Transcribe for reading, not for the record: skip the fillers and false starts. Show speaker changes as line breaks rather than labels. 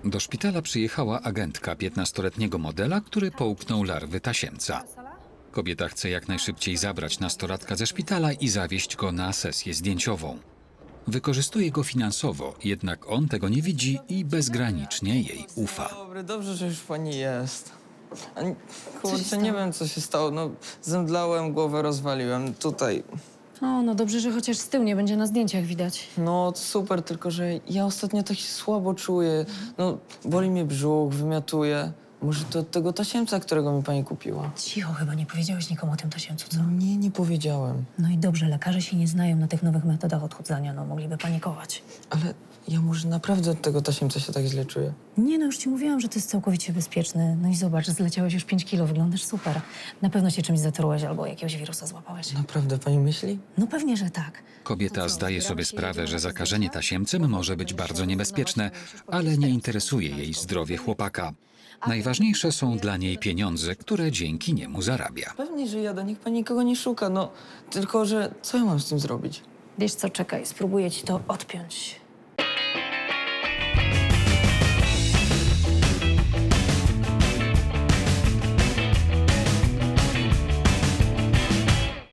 Do szpitala przyjechała agentka 15-letniego modela, który połknął larwy tasiemca. Kobieta chce jak najszybciej zabrać nastolatka ze szpitala i zawieźć go na sesję zdjęciową. Wykorzystuje go finansowo, jednak on tego nie widzi i bezgranicznie jej ufa.
Dobry, dobrze, że już pani jest.
się
Kurczę,
stało?
nie wiem, co się stało. No, zemdlałem, głowę rozwaliłem. Tutaj.
O, no dobrze, że chociaż z tyłu nie będzie na zdjęciach widać.
No, super, tylko że ja ostatnio tak się słabo czuję. No, boli mnie brzuch, wymiatuje. Może to od tego tasiemca, którego mi pani kupiła?
Cicho, chyba nie powiedziałeś nikomu o tym tasiemcu, co?
Nie, nie powiedziałem.
No i dobrze, lekarze się nie znają na tych nowych metodach odchudzania, no mogliby panikować.
Ale ja może naprawdę od tego tasiemca się tak źle czuję.
Nie, no już ci mówiłam, że to jest całkowicie bezpieczny. No i zobacz, zleciałeś już 5 kilo, wyglądasz super. Na pewno się czymś zatrułeś albo jakiegoś wirusa złapałeś.
Naprawdę pani myśli?
No pewnie, że tak.
Kobieta zdaje sobie sprawę, że zakażenie tasiemcem może być bardzo niebezpieczne, ale nie interesuje jej zdrowie chłopaka. Najważniejsze są dla niej pieniądze, które dzięki niemu zarabia.
Pewnie, że jadę, niech pani nikogo nie szuka, no. Tylko, że co ja mam z tym zrobić?
Wiesz co, czekaj, spróbuję ci to odpiąć.